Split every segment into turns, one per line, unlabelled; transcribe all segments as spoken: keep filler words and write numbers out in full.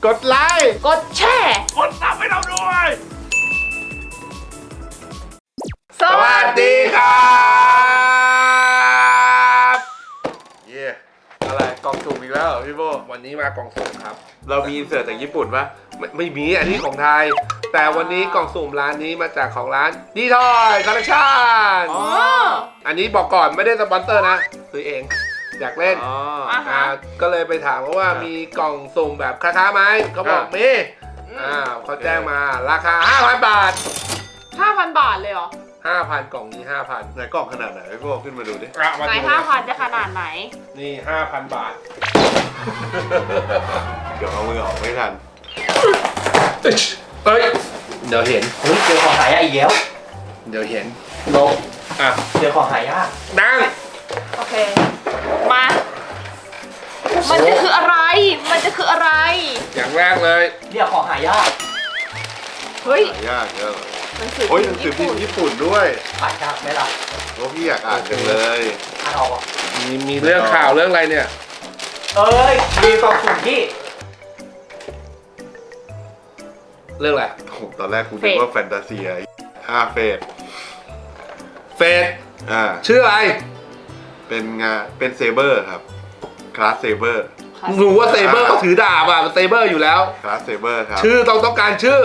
กดไลค์
กดแชร์
กดซับให้เราด้วย
สวัสดี
ครับเย่อะไรกล่องสุ่มอีกแล้วพี่โบวันนี้มากล่องสุ่มครับเรามีเสิร์ตจากญี่ปุ่นปะไม่ไม่มีอันนี้ของไทยแต่วันนี้กล่องสุ่มร้านนี้มาจากของร้านดีทอยคอลเลคชั่นอันนี้บอกก่อนไม่ได้สปอนเซอร์นะซื้อเองอยากเล่นอ่าก็เลยไปถามว่ามีกล่องสุ่มแบบคล้าๆไหมเขาบอกมีอ่าเขาแจ้งมาราคา ห้าพัน บาท
ห้าพัน บาทเลยเหรอ
ห้าพัน กล่องนี้ ห้าพัน
ไหนกล่องขนาดไหนพี่โบขึ้นมาดูดิ
ไหน ห้าพัน จะขนาดไหน
นี่ ห้าพัน บาท
เดี๋ยวเอามือออกไม่ทัน
เอ้ยเดี๋ยวเห็น
เฮ้ยเจอของหายากอีกแล้ว
เดี๋ยวเห็น
ลง
อ่ะ
เจอของหายาก
ดัง
โอเค มา มันจะคืออะไร มันจะคืออะไร
อย่างแรกเลย
เรียกของหายาก
เฮ้ย
หายากเยอะ
หนังสือ
โอ้ยห
พิ
นั
ม
ง
พ์
สือ
ญี่
พิม
ปุ่น
พ์ญี่ปุ่นด้วย
หายากไหมล่ะ
โอ้พี่อยากอ่านจังเลย
อ่านออกอ่ะ
มีมีเรื่องข่าวเรื่องอะไรเนี่ย
เอ้ย มีกล่องสุ่มที่
เรื่องอะไร
โอ้โหตอนแรกกูนึกว่าแฟนตาเซียห้าเฟส
เฟส
อ่า
ชื่ออะไร
เป็นงานเป็นเซเบอร์ครับคลาสเซเบอร์
รู้ว่าเซเบอร์เขาถือดาบอ่ะเซเบอร์อยู่แล้ว
คลาสเซเบอร์ครับ
ชื่อต้องต้องการชื่อ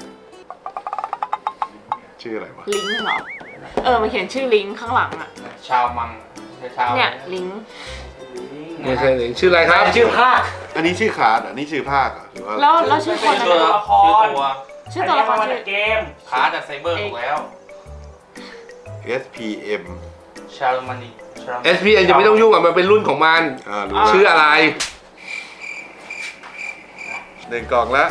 ชื่ออะไรวะ
ลิงก์เหรอ เออ มันเขียนชื่อลิงก์ข้างหลังอะ
ชาวมังชาว
เนี่ย ลิงก์
ไม่ใช่หรือชื่ออะไรครับ
ชื่อภาค
อันนี้ชื่อคลาสอ่ะนี่ชื่อภาคอ่ะหรือว่า
แล้วแล้วชื่อคน
ชื่อ
นะ
ตัวละคร
ชื่อตัวละคร
มา
ชื่
จา
อก
เกม
คาร์ดจากไซเบอร์ถูกแล้ว
เอส พี เอ็ม
ชาลมันนี
เอส พี เอ็น จะไม่ต้องยุ่งอ่ะมันเป็นรุ่นของมัน
อ่ารู้
ชื่ออะไร
หนึ่งกล่องละ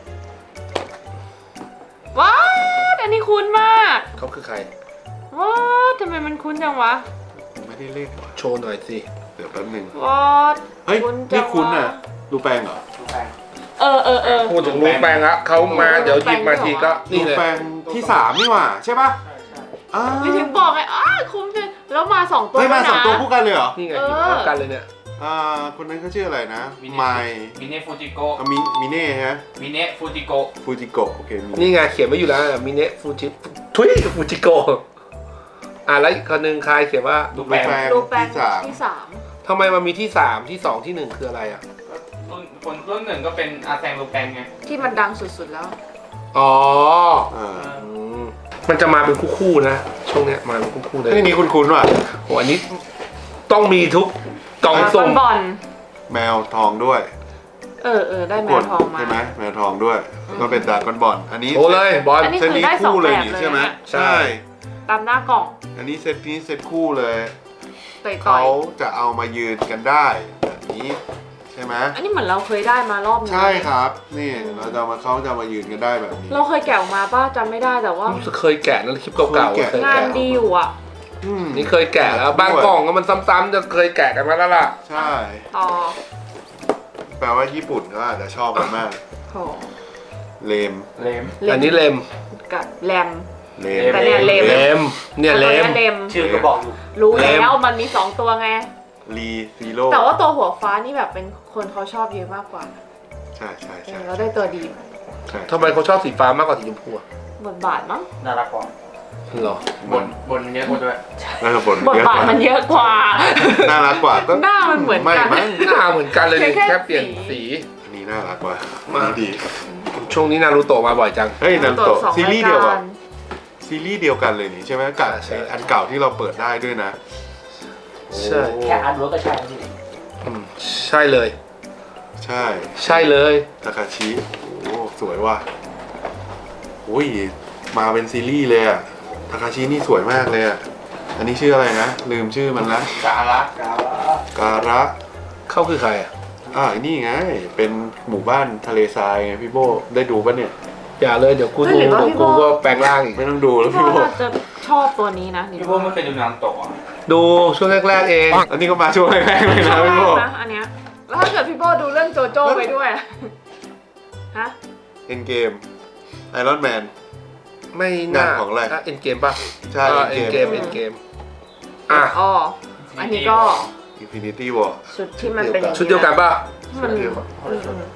ว้าวอันนี้คุ้นมาก
เขาคือใคร
ว้าวทำไมมันคุ้นจังวะ
ไม่ได้เล่นว่ะ
โชว์หน่อยสิ
เดี๋ยวแป๊บหนึง
ว้าว
เฮ้ย
คุ้นจั
นี่
ง
คุณ
วะ
อ่ะดูแปลงเหรอ
เออเออเออ
พูดถึงรูปแปลงละเขามาเดี๋ยวหยิบมาทีก็
ดู
นี่เลย
แปลงที่สามนี่หว่าใช่ปะอ่า
ไม่ถึงบอกไงอ้าคุ้มจังแล้วมาสองตัว
ไม่มา
ด้วยนะ
สองตัวคู่กันเลยเหรอ
นี่ไงหยิบพร้อมกันเลยเนี่ย
อ่าคนนั้นเขาชื่ออะไรนะไม
มิเนฟูจิโก
มิมิเน่ฮะ
มิเนฟูจิโก
ฟูจิโกะโอเคมิ
นี่ไงเขียนไว้อยู่แล้วมิเนะฟูจิทุยฟูจิโกอ่ะแล้วอีกคนนึงใครเขียนว่า
ดูแปลง
รูปแปลง
ที่สาม
ที่สาม
ทำไมมันมีที่สามที่สองที่หนึ่งคืออะไรอ่ะ
รุ่นคนรุ่นหนึ่งก็เป็นอาแซงลูแปงไง
ที่มันดังสุดๆแล้ว
อ๋อ
อ่า
อืมมันจะมาเป็นคู่ๆนะช่วงเนี้ยมาเป็นคู่ๆเลย
ไอ้นี่คุณคุณว่ะ
โหอันนี้ต้องมีทุกกล่องสุ่ม
บอล
แมวทองด้วย
เออเออได้แม
ก
ว
ด
ทองมา
ใช่ไหมแมวทองด้วยก็เป็นดาร์กบอลอันนี้
โชว์เลยบอล
อันนี้
เซตนี้
คือได้สอง
คู่เลย
แบบ
นี่
เลย
ใช่ไหม
นะ
ใช่
ใช่
ตามหน้ากล่อง
อันนี้เซตนี้เซตคู่เลย
ต่อยต่อ
เขา
ย
จะเอามายืนกันได้แบบนี้ใช่ไหม
อันนี้เหมือนเราเคยได้มารอบนึง
ใช่ครับนี่เราจะเอามาเขาจะเอามายืนกันได้แบบนี้
เราเคยแกะออกมาป้าจำไม่ได้แต่ว่า
รู้สึกเคยแกะนะคลิปเก่าๆ
เคยแกะ
เคย
งาน
แกะ
ดีอยู่อ่ะ
อืม
นี่เคยแกะแล้วบางกล่องก็มันซ้ำๆจะเคยแกะกันมาแล้วล่ะ
ใช่
ต่อ
แปลว่าญี่ปุ่นก็อาจจะชอบกันมาก
โถ
เลม
เลม
อันนี้เลม
กับแรม
เล
แต่เนี่ยเลม
เลมเนี่ยเลม
เลม
ชื่อก็บอกอยู่
รู้
เลม
แล้วมันมีสองตัวไง
ลีซีโร่
แต่ว่าตัวหัวฟ้านี่แบบเป็นคนเขาชอบเยอะมากกว่า
ใช่ใช่
เอ
ใช่
อเราได้ตัวดี
ใช่
ทำไมเขาชอบสีฟ้ามากกว่าสีชมพูอะ
บทบาทมั้ง
น่ารักกว่า
เหรอบ
นบนเยอะกว่าด้วย
น่าจะบน
บท
เยอะ
บาก ท
ว่า
มันเยอะกว่า
น่ารักกว่าก็
หน้ามันเหมือน
ไม่
กัน
มั้ง
หน้าเหมือนกันเลยนี่
แค่
แค่เปลี่ยน
สี
สี
อันนี้น่ารักกว่า
มา
อันนี้ดี
ช่วงนี้นารูโตะมาบ่อยจัง
เฮ้ยนันโตะ
สอง
ซีรีส์เดียว
า
กั
กา
บซีรีส์เดียวกันเลยนี่ใช่ไหมกับ
ใช่
อันเก่าที่เราเปิดได้ด้วยนะ
ใช่
โอ้
แค่อ่านรู้ก็ใช่แล้วสิ
อืมใช่เลย
ใช่
ใช่เลย
ทาคาชิโอ้สวยว่ะโอ้ยมาเป็นซีรีส์เลยอะทาคาชินี่สวยมากเลยอะอันนี้ชื่ออะไรนะลืมชื่อมันละ
กาละ
การะ
เขาคือใครอ่ะ
อ่านี่ไงเป็นหมู่บ้านทะเลทรายไงพี่โบได้ดูปะเนี่ย
อย่าเลยเดี๋ยวกู
เฮ้ย
ดู
หรือว่า
เดี๋ยว
พี่
กู
โบ
ก็แปลงร่างอีก
ไม่ต้องดูแล้ว
พี่
พี่
พ่
โบ
อจะชอบตัวนี้นะ
พี่พวกไม่เคยดูนางโตะ
ดูช่วงแรกๆเอง
อันนี้ก็มาช่วงแรกๆเลย
ชอ
นะ
บ
พี่โบ
มากนะอันเนี้ยแล้วถ้าเกิดพี่โบดูเรื่องโจโจ้ไปด้วยอะฮะ
เอ็นเกมไอรอนแมน
ไม่น่าง
านของอะไร
เอ็นเกมป่ะ
ใช่
เอ็นเก
Endgame
มเอ็นเกมอ่ะ
อ๋ออันนี้ก็
อินฟินิตี้วอร์
ชุดที่มันเป็นอย่าง
ชุดเดียวกันป่ะ
มัน
ชุดเดียวกัน
อืมอืม
ใ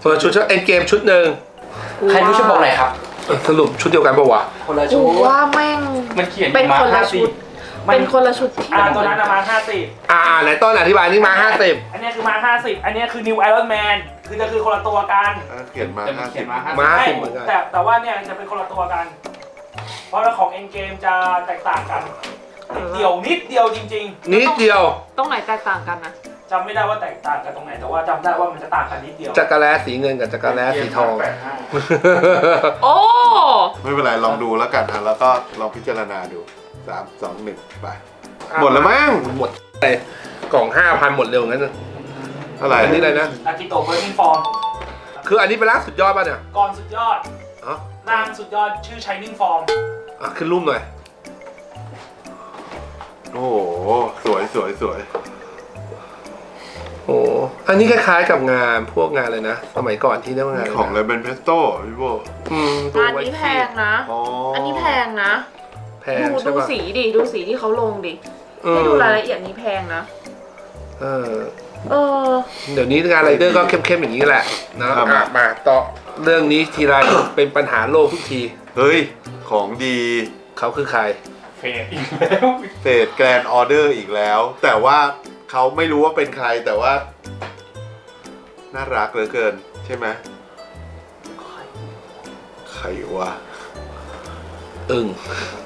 คนละชุดชุดเอ็นเกมชุดหนึ่ง
ใครรู้ชุดบอกไหนครับ
สรุปชุดเดียวกันปะวะ
คนละ
กู
ชุด
ว่าแม่ง
มันเขียน
เป็น
มา
คนละ
ห้า
ชุ
สิ
ด เป็นคนละชุดที่
อ่าตัวนั้นอะมาห้าสิบ
อ่าไหนต้นอธิบายนี่มาห้าสิบ
อันนี้คือมาห้าสิบอันนี้คือ New Iron Man คือจะคือคนละตัวกัน
อ่ะเขียนมา
แต่มัน
ห้า
เขี
สิ
ย
บ
นมาห้า
มา
สิบ
ห้าสิบเหมือนกัน
แต่แต่ว่าเนี่ยจะเป็นคนละตัวกัน เพราะว่าของ Endgame จะแตกต่างกันนิดเดียวนิดเดียวจริง
นิดเดียว
ตรงไหนแตกต่างกันนะ
ๆจำไม่ได้ว่าแตกต่างกันตรงไหน แต่ว่าจำได้ว่ามันจะต่างกันนิดเดียว
จักรแล้สีเงินกับจักรแล้สีทอง
แปดห้า
โอ้
ไม่เป็นไรลองดูแล้วกันนะแล้วก็ลองพิจารณาดูสามสองหนึ่งไปหมดแล้วมั้ง
หมดเลยกล่องห้าพันหมดเร็วงั้นนะ
อะไร
อันนี้อะไรนะ
อากิโตะเบอร์นิงฟอร์ม
คืออันนี้เป็นร่างสุดยอดป่ะเนี่ย
ก่อนสุดยอด
อ๋อ
ร่างสุดยอดชื่อ Shining Form
อ่ะขึ้นรูปหน่อย
โอ้โหสวยสวยสวย
โอ้อันนี้คล้ายๆกับงานพวกงานเลยนะ สมัยก่อนที่เรียกว่างาน
ของ
ะ
เล
ไร
เบนเพสโต้พี่โบ
อืมตัว
อัน
ไว้
นี้แพ
ขีด
งนะ
อ๋อ
อั
อั
นนี้แพงนะ
แพง
ดู
ใช่
ดู
ป่ะ
สีดิ ดูสีที่เขาลงดิ
อืม
ให้ดูรายละเอียดนี้แพงนะ
เออ
เออ
เดี๋ยวนี้งานไรเดอร์ก็เข้มๆอย่างนี้แหละนะอ่ะมาต่อเรื่องนี้ทีไร เป็นปัญหาโลกทุกที
เฮ้ยของดี
เขาคือใคร
เฟดอีกแล้ว
เศษแกรนออเดอร์อีกแล้ว แต่ว่าเขาไม่รู้ว่าเป็นใครแต่ว่า น่ารักเหลือเกินใช่ไหมใครวะ
อึ้ง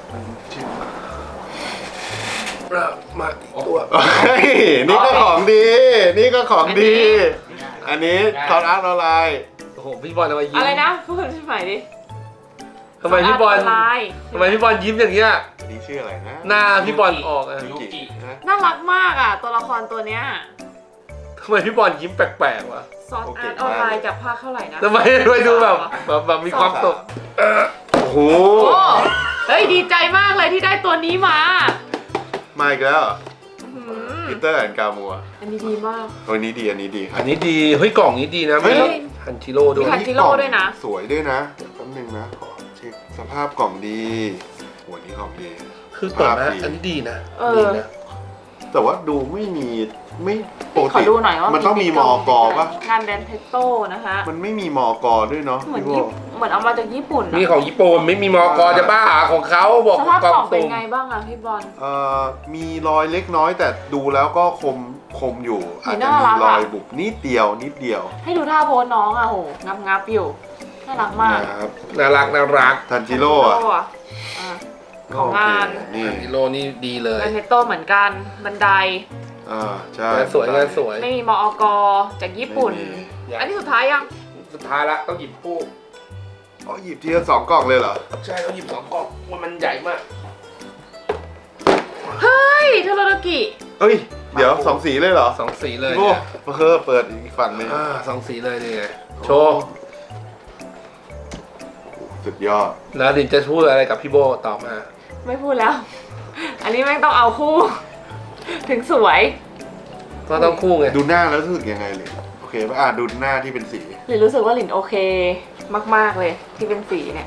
เรามาอีกตัว
เฮ้ยนี่ก็ของดี นี่ก็ของดี อันนี้ทอนอาร์ตออนไลน์
โอ้โหพี่บอลทำไมยิ้ม
อะไรนะ พูดใหม่ดิ
ทำไมพี่บอล
ออนไลน์
ทำไมพี่บอลยิ้มอย่างเงี้ย
อันนี้ชื่ออะไรนะ
หน้าพี่บอลออกอะ
ยูกินะ
น่ารักมากอ่ะ ตัวละครตัวเนี้ย
ทำไมพี่บอลยิ้มแปลกๆวะ
ซอสอาร์ตออนไลน์จากภาคเท่าไหร่นะ
ทำไมทำไมดูแบบแบบแบบมีความสุขเออ
โอ้โห
โอ้เฮ้ยดีใจมากเลยที่ได้ตัวนี้มา
มาอีกแล้ว
อื้อหือ
ปีเตอร์แอนกามัว
อันนี้ดีมาก
ตัวนี้ดีอันนี้ดีครั
อั
บ
นนี้ดีเฮ้ยกล่องนี้ดีนะ
เฮ้ย
มีฮันจิโร่ด้วย
มีฮันจิโร่ด้วยนะ
สวยด้วยนะเดี๋ยวแป๊บนึงนะขอเช็คสภาพกล่องดีโหอันนี้ของดี
คือเปิดมา
ภาพดี
อันนี้ดีนะ
เออ
ดีนะ
แต่ว่าดูไม่มีไม่ปก
ขอ
ติ
ดูหน่อยว่า
มั
มัน
ต้องมีมอกปะ
งานแดนเพชโต้นะคะ
มันไม่มีมอกด้วยเนาะ
เหมือน
พี่โบ
ญี่ปุ่นเหมือนเอามาจากญี่ปุ่นอะ
มีของญี่ปุ่นไม่มีมอกอจะบ้าหาของเขาบอก
สภาพ
กล่
ก
อ
ล่อง งเป็น
สุ่ม
ไงบ้างอะพี่บอล
เอ่อมีรอยเล็กน้อยแต่ดูแล้วก็คมคมอยู่ อาจจะ
น่า
มี
รัก
ร
อะ
อยบุบนิดเดียวนิดเดียว
ให้ดูท่าโพสน้องอะโหงับงับๆอยู่ น่ารักมาก
นะครับ
น่ารักน่ารัก
ทันจิโร่อะ
ทันจิโร่อะอ่ะ ของงาน
โอเคนี่
ฮันจิโร่นี่ดีเลย
งานเพชโต้เหมือนกัน บันได
อ่าใช่
งานสวยงานสวย
ไม่มีมอกจากญี่ปุ่น
ไม่มี
อันนี้สุดท้ายยัง
สุดท้ายละต้องหยิบคู่
อ๋อหยิบทีละสองกล่องเลยเหรอ
ใช่ต้องหยิบสองกล่องมันมันใหญ่มาก
เฮ้ยเทโรโดกิ
เอ้ย เดี๋ยวสองสีเลยเหรอ
สองสีเลย
โอ้
เนี่ย
เออเปิดอีกฝั่งหนึง
อ่าสองสีเลยนี่ไงโชว์
สุดยอด
แล้วดินจะพูดอะไรกับพี่โบต่อมา
ไม่พูดแล้ว อันนี้แม่งต้องเอาคู่ ถึงสวย
ก็ต้องคู่ไง
ดูหน้าแล้วรู้สึกยังไงเลย โอเคป่ะอ่ะดูหน้าที่เป็นสี
หลินรู้สึกว่าหลินโอเคมาก ๆ เลยที่เป็นสีเนี่ย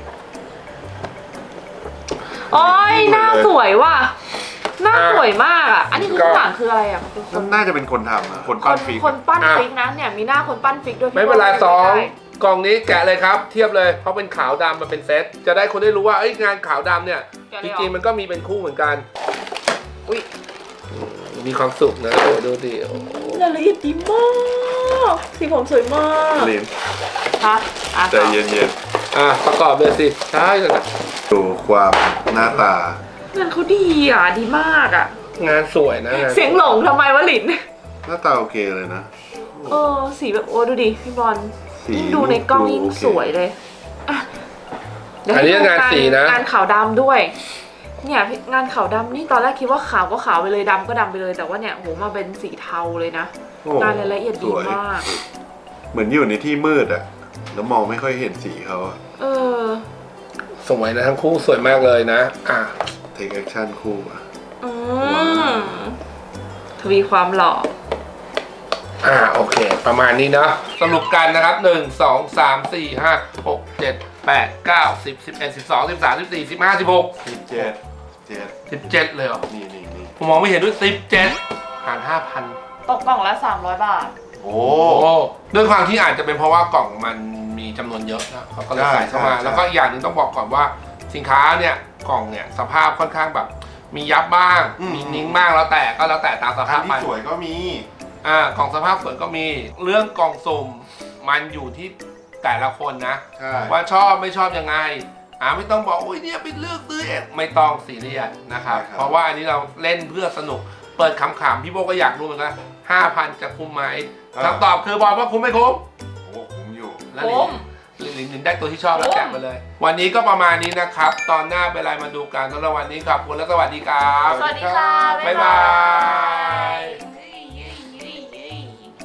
โอ้ยหน้าสวยว่ะ หน้าสวยมากอ่ะ อันนี้คือข้างหลังคืออะไรอ่ะคือคน
น่าจะเป็นคนทำอะคน
ค
ปั้น
น
ฟิก
คนปั้นฟิกนะเนี่ยมีหน้าคนปั้นฟิกด้วยพี่
ไม่เป็นไร
โบ้
สอง
ได้
กล่องนี้แกะเลยครับ เทียบเลยเพราะเป็นขาวดำมันเป็นเซตจะได้คนได้รู้ว่าเอ้ยงานขาวดำเนี่ย
แกะ
จ
เลยเหอ
ริงๆมันก็มีเป็นคู่เหมือนกัน
อุ้ย
มีความสุขนะโอ้ดูดิโอ้
รายละเอียดดีมากสีผมสวยมาก
ลิ้น
ฮะอ่ะ
ใจ
ต่อ
เย็น
อ่ะประกอบเลยสิใช่เลยนะ
ๆดูความหน้าตา
งานเขาดีอ่ะดีมากอ่ะ
งานสวยนะงาน
เสียงหลงทำไมวะหลิน
หน้าตาโอเคเลยนะ
เออสีแบบโอ้ดูดิพี่บอล
สี
ยิ่งดูในกล้องยิ่ง
โอเค
สวยเลยอ่ะเดี๋ยว
อัน
ให้
นี้
ดู
งานสีนะ
งานขาวดำด้วย เนี่ยงานขาวดำนี่ตอนแรกคิดว่าขาวก็ขาวไปเลยดำก็ดำไปเลยแต่ว่าเนี่ยโหมาเป็นสีเทาเลยนะ
โอ้
งานรายละเอียดดี
สวย
มาก
เหมือนอยู่ในที่มืดอะแล้วมองไม่ค่อยเห็นสีเขาอะ
เออ
สวยนะทั้งคู่สวยมากเลยนะอ่ะ
เทคแอคชั่นคู่อะ
อืมทวีความหล่อ
อ่าโอเค ประมาณนี้เนาะสรุปกันนะครับหนึ่งสองสามสี่ห้าหกเจ็ดแปดเก้าสิบสิบเอ็ดสิบสองสิบสามสิบสี่สิบห้าสิบหก
สิบเจ็ดเจ็ด
สิบเจ็ดเลยเหรอ
นี่นี่นี่
ผมมองไม่เห็นด้วยสิบเจ็ดหารห้าพัน
ตกกล่องละสามร้อยบาท
โ
โอ้
โอ้ด้วยความที่อาจจะเป็นเพราะว่ากล่องมันมีจำนวนเยอะนะเขาก็เลยใส่เข้ามา
ใช่ใช่
แล้วก็อีกอย่างหนึ่งต้องบอกก่อนว่าสินค้าเนี่ยกล่องเนี่ยสภาพค่อนข้างแบบ มียับบ้าง มีนิ้งบ้างแล้วแต่ก็แล้วแต่ตามส
อั
ภาน พไป
ที่สวยก็มี
อ่ากล่องสภาพสวยก็มีเรื่องกล่องสุ่มมันอยู่ที่แต่ละคนนะ
ใช่
ว่าชอบไม่ชอบยังไงอ่าไม่ต้องบอกโอ้ยเนี่ยไปเลือกซื้อเองไม่ต้องซีเรียสนะครับเพราะว่าอันนี้เราเล่นเพื่อสนุกเปิดขำๆพี่โบก็อยากรู้เหมือนกันห้าพันจะคุ้มไหมคำตอบคือบอลว่าคุ้มไม่คุ้ม
โอ้คุ้มอยู่
แล้วลิงลิงลิงได้ตัวที่ชอบแล้วแจกไปเลย วันนี้ก็ประมาณนี้นะครับ ตอนหน้าเป็นอะไรมาดูกันสำหรับวันนี้ขอบคุณและสวัสดีครับ
สวัสดีค่ะ
บ๊ายบาย